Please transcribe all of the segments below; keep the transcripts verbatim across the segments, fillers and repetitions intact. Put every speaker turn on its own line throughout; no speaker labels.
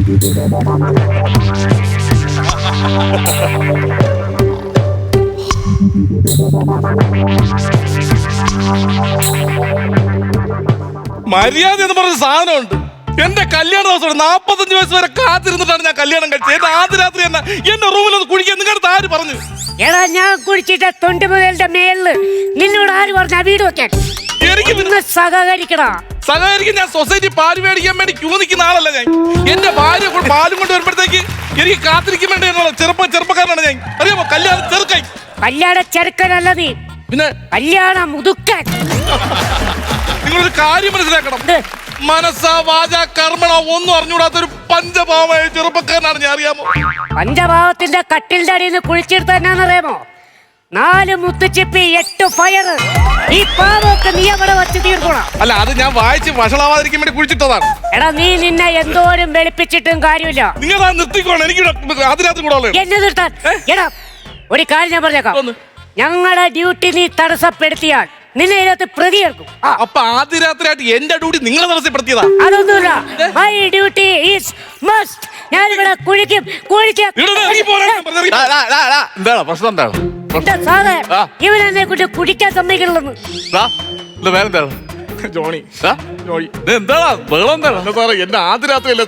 മര്യാദ എന്ന് പറഞ്ഞ സാധനമുണ്ട്. എന്റെ കല്യാണ ദിവസം നാപ്പത്തഞ്ച് വയസ്സ് വരെ കാത്തിരുന്നിട്ടാണ് ഞാൻ കല്യാണം കഴിച്ചത്. എന്റെ ആദ്യ രാത്രി തന്നെ എന്റെ റൂമിൽ ഒന്ന് കുഴിക്കാൻ നിങ്ങളുടെ ആര് പറഞ്ഞു?
എടാ ഞാൻ കുടിച്ചിട്ട് തൊണ്ടി മുതലിന്റെ മേളില് നിന്നോട് ആര് പറഞ്ഞ വീട് വെക്കാൻ?
എനിക്ക്
നിങ്ങൾ സഹകരിക്കടാ.
സഹകരിക്കും. ഞാൻ സൊസൈറ്റി പാല് മേടിക്കാൻ വേണ്ടി ക്യൂ നിൽക്കുന്ന ആളല്ല ഞാൻ. എന്റെ ഭാര്യ പാലും കൊണ്ട് വരുമ്പോഴത്തേക്ക് എനിക്ക് കാത്തിരിക്കാൻ വേണ്ടി എന്നുള്ള ചെറുപ്പ ചെറുപ്പക്കാരനാണ് ഞാൻ. അറിയാമോ? കല്യാണ ചെറുക്കായി.
കല്യാണ ചെറുക്കനല്ല നീ,
പിന്നെ
കല്യാണ മുതുക്കൻ.
നിങ്ങളൊരു കാര്യം മനസ്സിലാക്കണം. മനസ്സ വാച കർമ്മണ ഒന്നും അറിഞ്ഞുകൂടാത്തൊരു പഞ്ചഭാവമായ ചെറുപ്പക്കാരനാണ് ഞാൻ. അറിയാമോ?
പഞ്ചഭാവത്തിന്റെ കട്ടിലിന്റെ അടിയിൽ നിന്ന് കുഴിച്ചെടുത്ത എന്നാന്നറിയാമോ? നാല് മുത്തുച്ചിപ്പി, എട്ട് ഫയർ. ഈ പാവൊക്കെ നീ അവിടെ വച്ച് തീർക്കണം.
അല്ല, അത് ഞാൻ വായിച്ച് വഷളാവാതിരിക്കാൻ വേണ്ടി കുഴിച്ചിട്ടതാണ്.
എടാ നീ നിന്നെ എന്തോരം വെളുപ്പിച്ചിട്ടും കാര്യമില്ല.
നിങ്ങൾ നിർത്തിക്കോണം. എനിക്ക് അതിനകത്ത് കൂടെ
എന്നെ നിർത്താൻ. എടാ ഒരു കാര്യം ഞാൻ പറഞ്ഞേക്കാം. ഞങ്ങളുടെ ഡ്യൂട്ടി നീ തടസ്സപ്പെടുത്തിയാൽ നിന്നെ ഇതിനകത്ത് പ്രതിയേർക്കും.
അപ്പൊ ആദ്യ രാത്രിയായിട്ട് എന്റെ ഡ്യൂട്ടി നിങ്ങളെ തടസ്സപ്പെടുത്തിയതാ?
അതൊന്നുമില്ല. My duty is must. ഞാനിവിടെ കുഴിക്കും കുഴിക്കും.
എന്താണ് പ്രശ്നം? എന്താണ്
സാറേ, ഇവനെന്നെ കൊണ്ട് കുടിക്കാൻ സമ്മതിക്കണമെന്ന്.
വേറെന്താണ് ജോണി? എന്താ വെള്ളം? എന്താണ് സാറേ? എന്റെ ആദ്യ രാത്രിയല്ലേ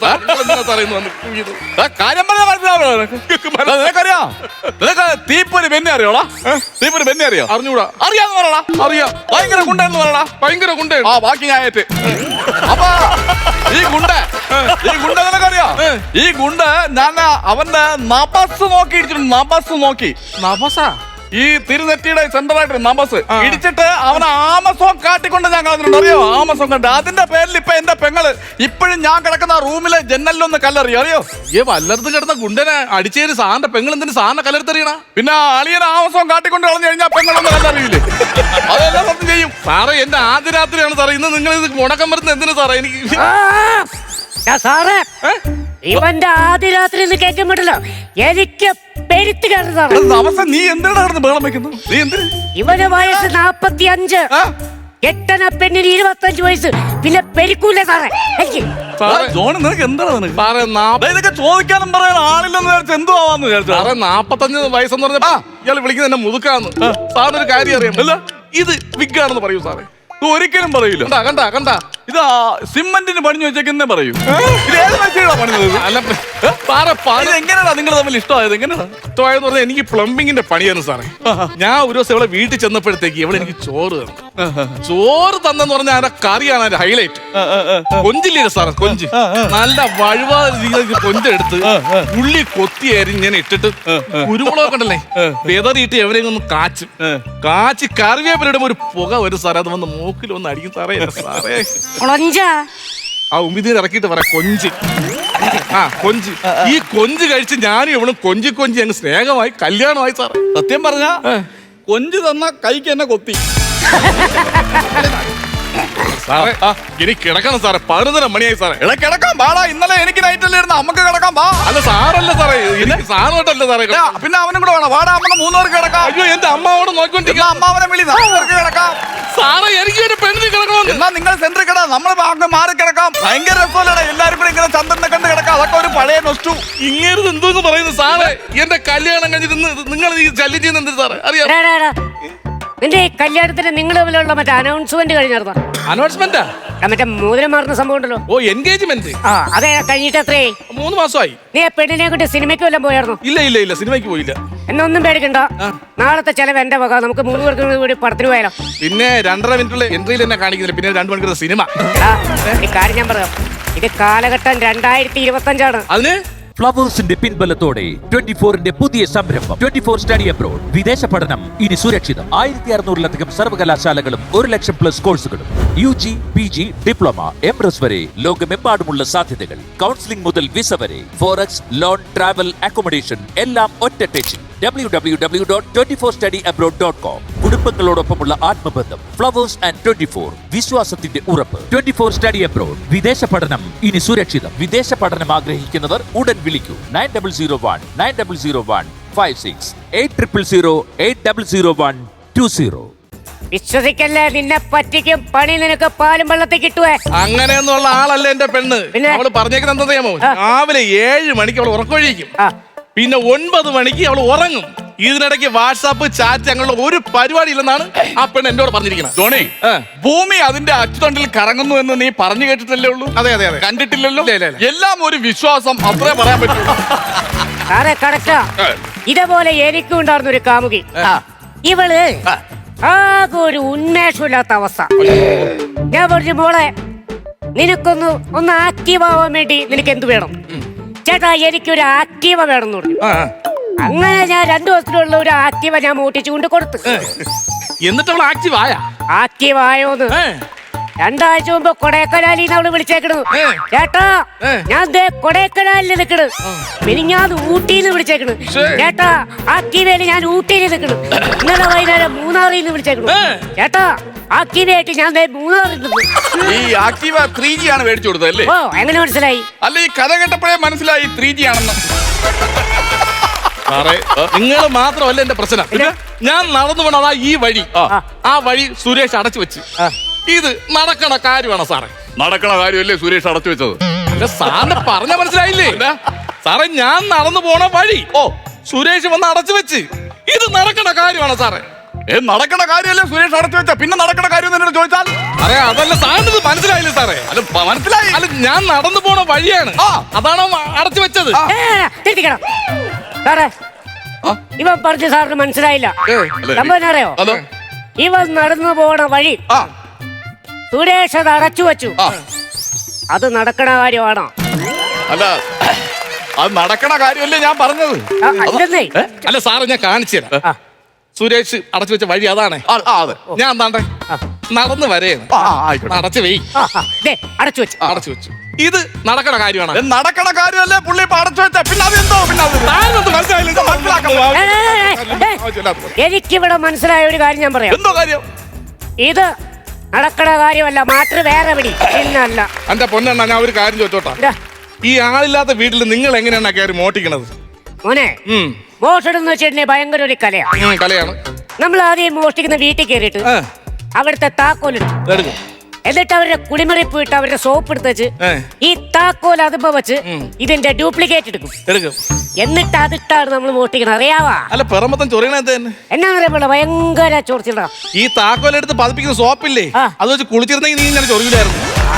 കാര്യം പറഞ്ഞാൽ മനസ്സിലാവറിയാം. നിനക്ക് തീപ്പൊരി ബെന്നെ അറിയോളാ? തീപ്പൊരി ബെന്നെ അറിയോ? അറിഞ്ഞൂടാ. അറിയാന്ന് പറയടാ. അറിയാം. ഭയങ്കര ഗുണ്ടെന്ന് പറയടാ. ഭയങ്കര ഗുണ്ട. ആ ബാക്കി ഞാൻ ഏറ്റ്. അപ്പൊ ഈ ഗുണ്ട ഈ ഗുണ്ട നിനക്കറിയോ? ഈ ഗുണ്ട ഞാൻ അവന്റെ നബസ് നോക്കി ഇടിച്ചിട്ടുണ്ട്. നബസ് നോക്കി. നബസാ? ഈ തിരുനെറ്റിയുടെ സെന്ററായിട്ട് നബസ് ഇടിച്ചിട്ട് അവനെ ആമസോൺ കാട്ടിക്കൊണ്ട് ഞാൻ കളഞ്ഞിട്ടുണ്ട്. അറിയോ? ആമസോൺ കണ്ട്. അതിന്റെ പേരിൽ ഇപ്പൊ എന്റെ പെങ്ങള് ഇപ്പോഴും ഞാൻ കിടക്കുന്ന റൂമിലെ ജനലിലൊന്ന് കല്ലെറിയോ? അറിയോ? ഏ വല്ലടത്ത് കിടന്ന ഗുണ്ടനെ അടിച്ചേര് സാറിന്റെ പെങ്ങൾ എന്തിന് സാറിന്റെ കല്ലെടുത്തെറിയണ? പിന്നെ അളിയനെ ആമസോൺ കാട്ടിക്കൊണ്ട് കളഞ്ഞു കഴിഞ്ഞാൽ പെങ്ങളൊന്ന് കല്ലെറിയില്ലേ? അതെല്ലാം സത്യം ചെയ്യും സാറേ. എന്റെ ആദ്യ രാത്രിയാണ് സാറേ. ഇന്ന് നിങ്ങൾ ഇത് മുടക്കം വരുന്നത് എന്തിനു സാറേ? എനിക്ക്
സാറേ ഇവന്റെ ആദ്യ രാത്രി കേൾക്കാൻ പറ്റില്ല. എനിക്ക് പെരുത്ത് കയറുന്നതാണ്.
നീ എന്തിനാണ് ബഹളം വെക്കുന്നത്? നീ എന്തിന്?
ഇവന് വയസ്സ് നാപ്പത്തി അഞ്ച്. എട്ടന പെണ്ണിന് ഇരുപത്തഞ്ച് വയസ്സ്. പിന്നെ പെരുക്കൂല സാറേ.
നിനക്ക് എന്താണ് ചോദിക്കാനും പറയാൻ ആളില്ലെന്ന് വിചാരിച്ചു. എന്തോ ആവാന്ന് വിചാരിച്ചു. സാറേ നാപ്പത്തഞ്ച് വയസ്സെന്ന് പറഞ്ഞാ ഇയാൾ വിളിക്കുന്നത് എന്നെ മുതുക്കാന്ന്. സാറിനൊരു കാര്യം അറിയാമല്ല, ഇത് വിഗാണെന്ന് പറയൂ സാറേ. ഒരിക്കലും പറയൂല. കണ്ട കണ്ട ഇത് സിമന്റിന് പണിഞ്ഞു വെച്ചേക്കുന്നേ പറയൂ. ഇത് ഏത് മനുഷ്യനാ പണിഞ്ഞത്? എങ്ങനെയാ നിങ്ങൾ തമ്മിൽ ഇഷ്ടമായത്? എങ്ങനെയാണ് ഇഷ്ടമായെന്ന് പറഞ്ഞാൽ എനിക്ക് പ്ലംബിങ്ങിന്റെ പണിയാണ് സാറേ. ഞാൻ ഒരു ദിവസം ഇവിടെ വീട്ടിൽ ചെന്നപ്പോഴത്തേക്ക് ഇവിടെ എനിക്ക് ചോറ് തന്നു. ചോറ് തന്നെന്ന് പറഞ്ഞാൽ അതിന്റെ കറിയാണ് അതിന്റെ ഹൈലൈറ്റ്. കൊഞ്ചില്ലേ സാറേ? കൊഞ്ച് നല്ല വഴുവാ കൊഞ്ചെടുത്ത് ഉള്ളി കൊത്തി അരിഞ്ഞ് ഇട്ടിട്ട് കുരുമുളക് കണ്ടല്ലേ വെതറിയിട്ട് എവരെയും ഒന്ന് കാച്ചും. കാച്ചി കറിവേപ്പിലിടുമ്പോ ഒരു പുക വരും സാറേ. അത് വന്ന് മൂക്കിൽ ഒന്ന് അടിക്കും സാറേ. സാറേ ആ ഉമ്മിതീന് ഇറക്കിയിട്ട് പറയാം കൊഞ്ച്. ആ കൊഞ്ച്. ഈ കൊഞ്ച് കഴിച്ച് ഞാനും എവളും കൊഞ്ചി കൊഞ്ചി അങ്ങ് സ്നേഹമായി കല്യാണമായി സാറേ.
സത്യം പറഞ്ഞ കൊഞ്ച് തന്ന കൈക്ക് എന്നെ കൊത്തി.
സാറേ ഇനി കിടക്കണം സാറേ. പതിനൊന്നര മണിയായി സാറേ.
എടാ കിടക്കാൻ പാടാ. ഇന്നലെ എനിക്ക് നൈറ്റല്ലായിരുന്നു. നമുക്ക് കിടക്കാൻ പാ.
അല്ല സാറല്ല സാറേ, എനിക്ക് സാധനമായിട്ടല്ല സാറേ.
പിന്നെ അവനും കൂടെ വേണം. വാടാ നമുക്ക് മൂന്നുപേർക്ക് കിടക്കാം.
അയ്യോ എന്റെ അമ്മാവോട് നോക്കിക്കൊണ്ടിരിക്കുക.
അമ്മാവനെ വിളി. നമുക്ക് കിടക്കാം
സാറേ. എനിക്ക് ഒരു പെണ്ണിന് കിടക്കണം.
എന്നാ നിങ്ങൾ സെന്ററിൽ കിടാം. നമ്മൾ അങ്ങ് മാറി കിടക്കാം. ഭയങ്കര രസമല്ലേ എല്ലാരും കൂടെ ഇങ്ങനെ ചന്ദ്രനെ കണ്ട് കിടക്കാം. അതൊക്കെ ഒരു പഴയ നൊസ്റ്റു.
ഇങ്ങനെ എന്തോന്ന് പറയുന്നു സാറേ? എന്റെ കല്യാണം കഴിഞ്ഞിട്ട് നിങ്ങൾ ഈ ശല്യം ചെയ്യുന്ന എന്ത് സാറേ? അറിയാം.
നിന്റെ കല്യാണത്തിന് നിങ്ങൾ തമ്മിലുള്ള മറ്റേ അനൗൺസ്മെന്റ് കഴിഞ്ഞായിരുന്നോ?
അനൗൺസ്മെന്റാ?
മറ്റേ മോതിരം മാറുന്ന സംഭവം ഉണ്ടല്ലോ.
Oh engagement.
ആ അതെ. കഴിഞ്ഞിട്ട് എത്രേ?
മൂന്ന് മാസമായി.
നീ ആ പെണ്ണിനെ കൊണ്ട് സിനിമയ്ക്ക് വല്ലതും പോയായിരുന്നു?
ഇല്ല ഇല്ല ഇല്ല സിനിമയ്ക്ക് പോയില്ല.
എന്നൊന്നും പേടിക്കണ്ട. നാളത്തെ ചെലവ് എന്റെ വക. നമുക്ക് മൂന്ന് പേർക്ക് കൂടി പടത്തിന് പോയാലോ?
പിന്നെ രണ്ടര മിനിറ്റുള്ള എൻട്രിയിൽ എന്നെ കാണിക്കുന്നില്ല. പിന്നെ രണ്ടു മണിക്കൂർ സിനിമ.
ഈ കാര്യം ഞാൻ പറയാം. ഇത് കാലഘട്ടം രണ്ടായിരത്തി ഇരുപത്തി അഞ്ചാണ്.
അതിന്
ഫ്ലവേഴ്സിന്റെ പിൻബലത്തോടെ ട്വന്റി ഫോറിന്റെ പുതിയ സംരംഭം ട്വന്റി ഫോർ സ്റ്റഡി അബ്രോഡ്. വിദേശ പഠനം ഇനി സുരക്ഷിതം. ആയിരത്തി അറുന്നൂറിലധികം സർവകലാശാലകളും ഒരു ലക്ഷം പ്ലസ് കോഴ്സുകളും U G, P G, diploma, M S വരെ ലോകമെമ്പാടുമുള്ള സാധ്യതകൾ. കൗൺസിലിംഗ് മുതൽ വിസ വരെ, ഫോറക്സ്, ലോൺ, ട്രാവൽ, അക്കോമഡേഷൻ എല്ലാം ഒറ്റ ടെച്ചിൽ. W W W dot twenty four study abroad dot com. കുടുംബങ്ങളോടൊപ്പമുള്ള ആത്മബന്ധം. ഫ്ലവേഴ്സ് ആൻഡ് ട്വന്റി ഫോർ, വിശ്വാസത്തിന്റെ ഉറപ്പ്. Twenty four study abroad. വിദേശ പഠനം ഇനി സുരക്ഷിതം. വിദേശ പഠനം ആഗ്രഹിക്കുന്നവർ ഉടൻ വിളിക്കൂ. Nine double zero one nine double zero one five six eight triple zero eight double zero one two zero.
വിശ്വസിക്കല്ലേ, നിന്നെ പറ്റിക്കും പണി, നിനക്ക് പാലും വെള്ളത്തിൽ കിട്ടുവേ.
അങ്ങനെയൊന്നുള്ള ആളല്ല എന്റെ പെണ്ണ്.
പിന്നെ?
അവള് പറഞ്ഞേക്കുന്നത് എന്താ അറിയാമോ?
ആ.
രാവിലെ ഏഴ് മണിക്ക് അവൾ ഉറക്കൊഴിക്കും,
ആ.
പിന്നെ ഒൻപത് മണിക്ക് അവൾ ഉറങ്ങും. ഇതിനിടയ്ക്ക് വാട്സാപ്പ് ചാറ്റ് അങ്ങനെയുള്ള ഒരു പരിപാടി ഇല്ലെന്നാണ് ആ പെണ്ണ് എന്നോട് പറഞ്ഞിരിക്കുന്നത്.
ജോണി,
ആ.
ഭൂമി അതിന്റെ അച്ചുതണ്ടിൽ കറങ്ങുന്നു എന്ന് നീ പറഞ്ഞു കേട്ടിട്ടല്ലേ ഉള്ളൂ?
അതെ അതെ അതെ.
കണ്ടിട്ടില്ലല്ലോ.
ഇല്ല, ഇല്ല, ഇല്ല.
എല്ലാം ഒരു വിശ്വാസം, അത്രേ പറയാൻ പറ്റൂ.
സാറേ കറക്റ്റാ. ഇതേപോലെ എനിക്കും ഉണ്ടായിരുന്ന ഒരു കാമുകി. ഇവള് ആകെ ഒരു ഉന്മേഷമില്ലാത്ത അവസ്ഥ. ഞാൻ പറഞ്ഞു, മോളെ നിനക്കൊന്ന് ഒന്ന് ആക്റ്റീവ് ആവാൻ വേണ്ടി നിനക്ക് എന്ത് വേണം? ചേട്ടാ എനിക്കൊരു ആക്റ്റീവ വേണം എന്ന് പറഞ്ഞു.
ആ.
അങ്ങനെ ഞാൻ രണ്ടു ദിവസത്തിലുള്ള ഒരു ആക്റ്റീവ ഞാൻ മോട്ടിച്ചു കൊണ്ട് കൊടുത്തു.
എന്നിട്ട് അവൾ ആക്റ്റീവ് ആയ?
ആക്റ്റീവ് ആയോന്ന് രണ്ടാഴ്ച മുമ്പ് കൊടൈക്കനാലിൽ നിന്ന് അവള് വിളിച്ചേക്കണു.
ഏ.
ചേട്ടാ
ഏ.
ഞാൻ ദേ കൊടൈക്കനാലിൽ നിൽക്കണ്. മിനിഞ്ഞാന്ന് ഊട്ടിന്ന് വിളിച്ചേക്കണ്.
ശ്ശേ.
ചേട്ടാ ആക്റ്റീവയില് ഞാൻ ഊട്ടിയിൽ നിൽക്കണ്. ഇന്നലെ വൈകുന്നേരം മൂന്നാറിൽ നിന്ന് വിളിച്ചേക്കണു.
ഏ.
ചേട്ടാ ആക്റ്റീവയായിട്ട് ഞാൻ ദേ മൂന്നാറിൽ നിൽക്കുന്നു.
ഈ ആക്റ്റീവ ത്രീ ജി ആണ് മേടിച്ചു കൊടുത്തത് അല്ലേ?
ഓ എങ്ങനെ മനസ്സിലായി?
അല്ല, ഈ കഥ കേട്ടപ്പോഴേ മനസ്സിലായി ത്രീ ജി ആണെന്ന്.
സാറേ നിങ്ങൾ മാത്രമല്ല എന്റെ പ്രശ്നം.
പിന്നെ?
ഞാൻ നടന്നു പോണതാ ഈ വഴി.
ആ.
ആ വഴി സുരേഷ് അടച്ചു വെച്ച്. ഇത് നടക്കണ കാര്യമാണോ സാറേ?
നടക്കണ കാര്യമല്ലേ സുരേഷ് അടച്ചു വെച്ചത്?
അല്ല, സാറിന് പറഞ്ഞ മനസ്സിലായില്ലേ? സാറേ ഞാൻ നടന്നു പോണ വഴി ഓ സുരേഷ് വന്ന് അടച്ചു വെച്ച്. ഇത് നടക്കണ കാര്യമാണോ സാറേ?
ഏ, നടക്കണ കാര്യമല്ലേ സുരേഷ് അടച്ചു വെച്ച? പിന്നെ നടക്കണ കാര്യം എന്നോട് ചോദിച്ചാൽ
അതെ അതല്ല സാറിന് ഇത് മനസ്സിലായില്ലേ സാറേ?
അല്ല, പ- മനസ്സിലായി.
അല്ല ഞാൻ നടന്നു പോണ വഴിയാണ്.
ആ.
അതാണോ അടച്ചു വെച്ചത്?
ആ.
ഏ, ഏ, തിരുത്തിക്കണം. സാറേ ഇവൻ പറഞ്ഞ സാറിന് മനസ്സിലായില്ല.
അല്ലേ?
സംഭവം അറിയോ?
ഹലോ.
ഇവൻ നടന്നു പോണ വഴി
ആ
സുരേഷ് അത് അടച്ചു വെച്ചു.
ആ
അത് നടക്കണ കാര്യമാണോ?
അല്ല, അത് നടക്കണ കാര്യമല്ലേ ഞാൻ പറഞ്ഞത്?
ആ, അല്ലെന്നേ.
അല്ല സാറേ ഞാൻ കാണിച്ചു തരാം.
ആ.
സുരേഷ് അടച്ചു വെച്ച വഴി അതാണ്.
ആ, ആ, അതെ.
ഞാൻ എന്താണ്ടേ നടന്നു വരെയാണ്.
ആ, ആ, ആയിക്കോട്ടെ.
അടച്ചു വെയ്.
ആ, ആ, ദേ, അടച്ചു വെച്ചു.
അടച്ചു വെച്ചു. ഇത് നടക്കണ കാര്യമാണ്.
ഇത് നടക്കണ കാര്യമല്ലേ പുള്ളി ഇപ്പൊ അടച്ചു വെച്ച? പിന്നെ അതെന്തോ? പിന്നെ അത്
സാറിനൊന്നും മനസ്സിലായില്ല.
ഇത് മനസ്സിലാക്കാൻ
ഏ, ഏ, ഏ, ഏ, എനിക്കിവിടെ മനസ്സിലായ ഒരു കാര്യം ഞാൻ പറയാം.
എന്തോ കാര്യം?
ഇത് നടക്കണ കാര്യമല്ല, മാറ്റർ വേറെ പിടി. പിന്നല്ല.
എന്റെ പൊന്നെണ്ണ ഞാൻ ഒരു കാര്യം ചോദിച്ചോട്ടാ.
ഇതാ,
ഈ ആളില്ലാത്ത വീട്ടിൽ നിങ്ങൾ എങ്ങനെയാണ് കയറി മോട്ടിക്കണത്?
മോനെ
ഉം.
മോഷണം എന്ന് വെച്ചിട്ടുണ്ടെങ്കിൽ ഭയങ്കര ഒരു കലയാ.
ഉം, കലയാണ്.
നമ്മൾ ആദ്യം മോഷ്ടിക്കുന്ന വീട്ടിൽ കയറിയിട്ട്
ആ,
അവിടുത്തെ താക്കോലിടും.
എടുക്കും.
എന്നിട്ട് അവരുടെ കുളിമുറി പോയിട്ട് അവരുടെ സോപ്പ് എടുത്ത് വെച്ച്
ഏ.
ഈ താക്കോൽ അതുമ്പോ വെച്ച് ഇതിന്റെ ഡ്യൂപ്ലിക്കേറ്റ് എടുക്കും.
എടുക്കും.
എന്നിട്ട് അതിട്ടാണ് നമ്മൾ മോഷ്ടിക്കണം. അറിയാവാ?
അല്ല പെറമ്പത്തം ചൊറിയണത് തന്നെ.
എന്നാന്നറിയാ ഭയങ്കര ചോർച്ചിടാ.
ഈ താക്കോലെടുത്ത് പതിപ്പിക്കുന്ന സോപ്പില്ലേ,
ആ.
അത് വെച്ച് കുളിച്ചിരുന്നെങ്കിൽ നീ ഇങ്ങനെ ചൊറിയില്ലായിരുന്നു.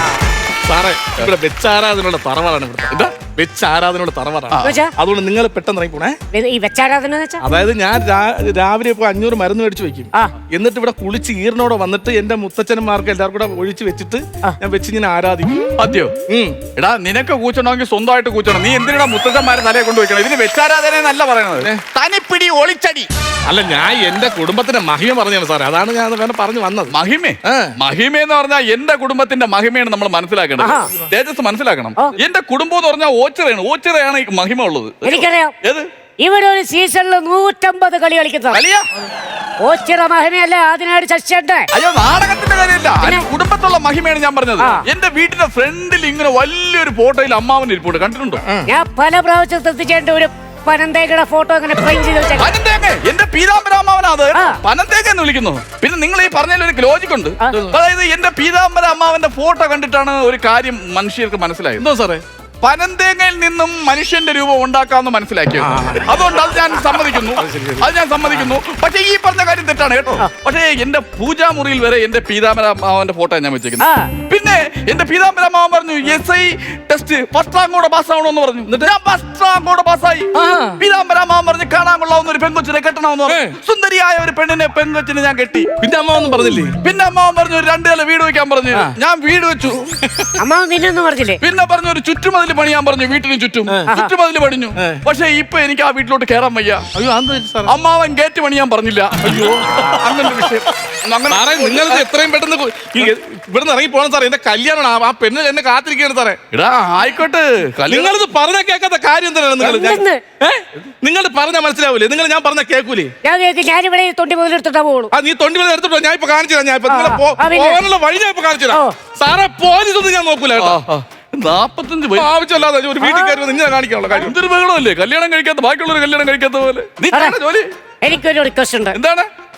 സാറേ ഇവിടെ വെച്ചാരാധനയുള്ള തറവാടാണ് ഇവിടെ. എന്താ വെച്ചാരാധനയുള്ള തറവാടാണ്.
എന്നുവെച്ചാ?
അതുകൊണ്ട് നിങ്ങൾ പെട്ടെന്ന് ഇറങ്ങി പോണേ.
ഈ വെച്ചാരാധന എന്ന് വെച്ചാ?
അതായത് ഞാൻ രാ- രാവിലെ ഇപ്പൊ അഞ്ഞൂറ് മരുന്ന് മേടിച്ച് വെക്കും.
ആ.
എന്നിട്ട് ഇവിടെ കുളിച്ച് ഈറിനോടെ വന്നിട്ട് എന്റെ മുത്തച്ഛന്മാർക്ക് എല്ലാവർക്കും കൂടെ ഒഴിച്ച് വെച്ചിട്ട് ഞാൻ വെച്ച് ഇങ്ങനെ ആരാധിക്കും.
അതെയോ?
ഉം.
എടാ, നിനക്ക് കൂച്ചണമെങ്കിൽ സ്വന്തമായിട്ട് കൂച്ചണം. നീ എന്തിനാ മുത്തച്ഛന്മാരെ തലയെ കൊണ്ടുവയ്ക്കണം? ഇതിന് വെച്ചാരാധന എന്നല്ല പറയുന്നത്, തനിപ്പിടി ഒളിച്ചടി.
അല്ല ഞാൻ എന്റെ കുടുംബത്തിന്റെ മഹിമ പറഞ്ഞാണ് സാറേ. അതാണ് ഞാൻ വേണം പറഞ്ഞു വന്നത്.
മഹിമേ
ആ.
മഹിമ എന്ന് പറഞ്ഞാൽ എന്റെ കുടുംബത്തിന്റെ മഹിമയാണ് നമ്മൾ മനസ്സിലാക്കേണ്ടത്.
ആഹാ.
തേജസ് മനസ്സിലാക്കണം.
ആ.
എന്റെ കുടുംബം എന്ന് പറഞ്ഞാൽ ഓച്ചിറയാണ്. ഓച്ചിറയാണ് ഈ മഹിമ ഉള്ളത്.
എനിക്കറിയാം.
ഏത്
ഇവിടെ ഒരു സീസണിൽ നൂറ്റമ്പത് കളി കളിക്കുന്ന
കളിയാ?
ഓച്ചിറ മഹിമയല്ലേ അതിനായിട്ട് ശശിയുണ്ട്.
അയ്യോ, നാടകത്തിന്റെ കാര്യമില്ല.
പിന്നെ?
അതിന് കുടുംബത്തുള്ള മഹിമയാണ് ഞാൻ പറഞ്ഞത്.
ആ.
എന്റെ വീട്ടിന്റെ ഫ്രണ്ടിൽ ഇങ്ങനെ വലിയൊരു ഫോട്ടോയിൽ അമ്മാവൻ ഇരിപ്പുണ്ട്, കണ്ടിട്ടുണ്ടോ?
ഞാൻ പല പ്രാവശ്യം ശ്രദ്ധിച്ചേണ്ട ഒരു പനന്തേക്കയുടെ ഫോട്ടോ അങ്ങനെ ഫ്രെയിം ചെയ്ത് വെച്ചേക്കാം.
പനന്തേങ്ങ എന്റെ പീതാംബരാമാവനാ അത്.
ആ.
പനന്തേങ്ങ എന്ന് വിളിക്കുന്നു. പിന്നെ നിങ്ങൾ ഈ പറഞ്ഞതിൽ ഒരു ലോജിക് ഉണ്ട്.
ആ.
അതായത് എന്റെ പീതാംബര അമ്മാവന്റെ ഫോട്ടോ കണ്ടിട്ടാണ് ഒരു കാര്യം മനുഷ്യർക്ക് മനസ്സിലായത്.
എന്തോ സാറേ?
പനന്തേങ്ങയിൽ നിന്നും മനുഷ്യന്റെ രൂപം ഉണ്ടാക്കാമെന്ന് മനസ്സിലാക്കിയത്. അതുകൊണ്ട് അത് ഞാൻ സമ്മതിക്കുന്നു. അത് ഞാൻ സമ്മതിക്കുന്നു. പക്ഷേ ഈ പറഞ്ഞ കാര്യം തെറ്റാണ് കേട്ടോ. പക്ഷേ എന്റെ പൂജാമുറിയിൽ വരെ എന്റെ പീതാംബര അമ്മാവന്റെ ഫോട്ടോ ഞാൻ വെച്ചേക്കുന്നത്.
ആ.
പിന്നെ എന്റെ പീതാംബര അമ്മാവൻ പറഞ്ഞു S I test first rank കൂടെ പാസ്സാവണമെന്ന് പറഞ്ഞു. എന്നിട്ട് ഞാൻ ഫസ്റ്റ് റാങ്ക് കൂടെ പാസ്സായി. പീതാംബര അമ്മാവൻ പറഞ്ഞു കാണാൻ കൊള്ളാവുന്ന ഒരു പെൺകൊച്ചിനെ കെട്ടണമെന്ന് പറഞ്ഞു. സുന്ദരിയായ ഒരു പെണ്ണിനെ പെൺകൊച്ചിനെ ഞാൻ കെട്ടി.
പിന്നെ അമ്മ ഒന്നും പറഞ്ഞില്ലേ?
പിന്നെ അമ്മാവൻ പറഞ്ഞു ഒരു രണ്ടു നില വീട് വെക്കാൻ പറഞ്ഞു. ഞാൻ വീട് വെച്ചു.
അമ്മ നിന്നൊന്നും പറഞ്ഞില്ലേ?
പിന്നെ പറഞ്ഞു ഒരു ചുറ്റുമതിൽ പണിയാൻ പറഞ്ഞു. വീട്ടിന് ചുറ്റും ചുറ്റുമതിൽ പണിഞ്ഞു. പക്ഷെ ഇപ്പൊ എനിക്ക് ആ വീട്ടിലോട്ട് കയറാൻ വയ്യ.
അയ്യോ അന്ന് സാർ
അമ്മാവൻ ഗേറ്റ് പണിയാൻ പറഞ്ഞില്ല. അയ്യോ, അങ്ങനെ ഒരു വിഷയം. അങ്ങനെ
സാറേ നിങ്ങൾ എത്രയും പെട്ടെന്ന് കൊ- ഈ ഇവിടുന്ന് ഇറങ്ങി പോകണം സാറേ. എന്റെ കല്യാണമാണ്. ആ- ആ പെണ്ണ് എന്നെ കാത്തിരിക്കുകയാണ് സാറേ.
എടാ ആയിക്കോട്ടെ, കല്യാണം
നിങ്ങളിത് പറഞ്ഞ കേൾക്കാത്ത കാര്യം എന്തിനാണ് നിങ്ങൾ?
എന്തെന്ന്?
നിങ്ങൾ പറഞ്ഞ മനസ്സിലാവൂലേ? നിങ്ങൾ ഞാൻ പറഞ്ഞ കേൾക്കൂലേ?
ഞാൻ കേൾക്കും. ഞാനിവിടെ ഈ തൊണ്ടി മുതലെടുത്തിട്ടാ പോകുള്ളൂ.
ആ നീ തൊണ്ടി വരെ എടുത്തിട്ടോ. ഞാൻ ഇപ്പൊ കാണിച്ചു തരാം. ഞാൻ ഇപ്പൊ നിങ്ങളെ പോ-
ആ, പിന്നെ?
പോകാനുള്ള വഴി ഞാൻ ഇപ്പൊ കാണിച്ചു തരാം.
ഓ.
സാറേ പോലീസ് ഒന്നും ഞാൻ നോക്കൂല കേട്ടോ.
നാപ്പത്തഞ്ച്
ആവശ്യമില്ലാതെ ഒരു വീട്ടിൽ കയറി നിന്നെ കാണിക്കാനുള്ള കാര്യം.
എന്തൊരു ബഹളമല്ലേ? കല്യാണം കഴിക്കാത്ത ബാക്കിയുള്ളവർ കല്യാണം കഴിക്കാത്ത പോലെ. നീ
അതെ.
ചെയ്യണ ജോലി
എനിക്കൊരു റിക്വസ്റ്റ് ഉണ്ട്.
എന്താണ്?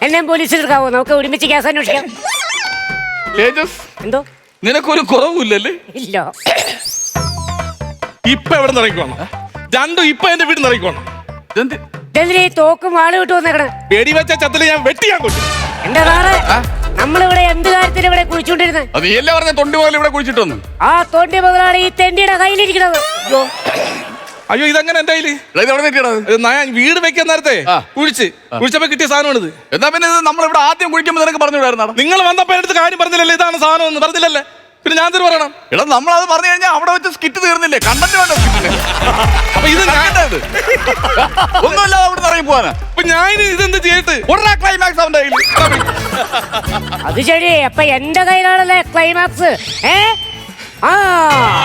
എന്നെ പോലീസിൽ എടുക്കാവോ? നമുക്ക് ഒരുമിച്ച് കേസ് അന്വേഷിക്കാം.
തേജസ്,
എന്തോ?
നിനക്കൊരു കുറവുമില്ലല്ലേ?
ഇല്ല.
ഇപ്പൊ എവിടെ നിന്ന് ഇറങ്ങിക്കോണം? രണ്ടും ഇപ്പൊ എന്റെ വീട്ടിൽ നിന്ന് ഇറങ്ങിക്കോണം.
ഇതെന്ത്?
ഇതെന്തിനാ ഈ തോക്കും വാള് വിട്ടു വന്നേക്കണേ?
വെടിവെച്ച ചത്തില് ഞാൻ വെട്ടിയാൻ കൊണ്ടു.
എന്റെ സാറേ, നമ്മളിവിടെ എന്ത് കാര്യത്തിന് ഇവിടെ കുഴിച്ചോണ്ടിരുന്നത്?
അത് നീ എല്ലാം പറഞ്ഞ തൊണ്ടി മുതൽ ഇവിടെ കുഴിച്ചിട്ട് വന്നു.
ആ തൊണ്ടി മുതലാണ് ഈ തെണ്ടിയുടെ കയ്യിലിരിക്കുന്നത്.
അയ്യോ, ഇതെങ്ങനെ എന്റെ കയ്യില്?
ഇത് എവിടെ നിൽക്കണത്?
ഇത് ഞാൻ വീട് വെക്കാൻ നേരത്തെ
ആ.
കുഴിച്ച് കുഴിച്ചപ്പോ കിട്ടിയ സാധനമാണിത്.
എന്നാ പിന്നെ ഇത് നമ്മളിവിടെ ആദ്യം കുഴിക്കുമ്പോൾ നിനക്ക് പറഞ്ഞു വിടായിരുന്നാ?
നിങ്ങൾ വന്നപ്പോ എടുത്ത് കാര്യം പറഞ്ഞില്ലല്ലേ ഇതാണ് സാധനം എന്ന് പറഞ്ഞില്ലല്ലേ? പിന്നെ ഞാൻ തന്നെ പറയണം.
എടാ, നമ്മളത് പറഞ്ഞു കഴിഞ്ഞാൽ അവിടെ വെച്ച് സ്കിറ്റ് തീർന്നില്ലേ? കണ്ടന്റ് വേണ്ട സ്കിറ്റിന്.
അപ്പൊ ഇത് ഞാൻ
ഒന്നുമില്ലാതെ അവിടെ നിന്ന് ഇറങ്ങി പോവാനാ.
അപ്പൊ ഞാൻ ഇതെന്ത് ചെയ്തിട്ട്
ഉടനെ ക്ലൈമാക്സ് അവന്റെ കയ്യിൽ.
അത് ശരി, അപ്പൊ എന്റെ കയ്യിലാണല്ലേ ക്ലൈമാക്സ്? ഏ ആ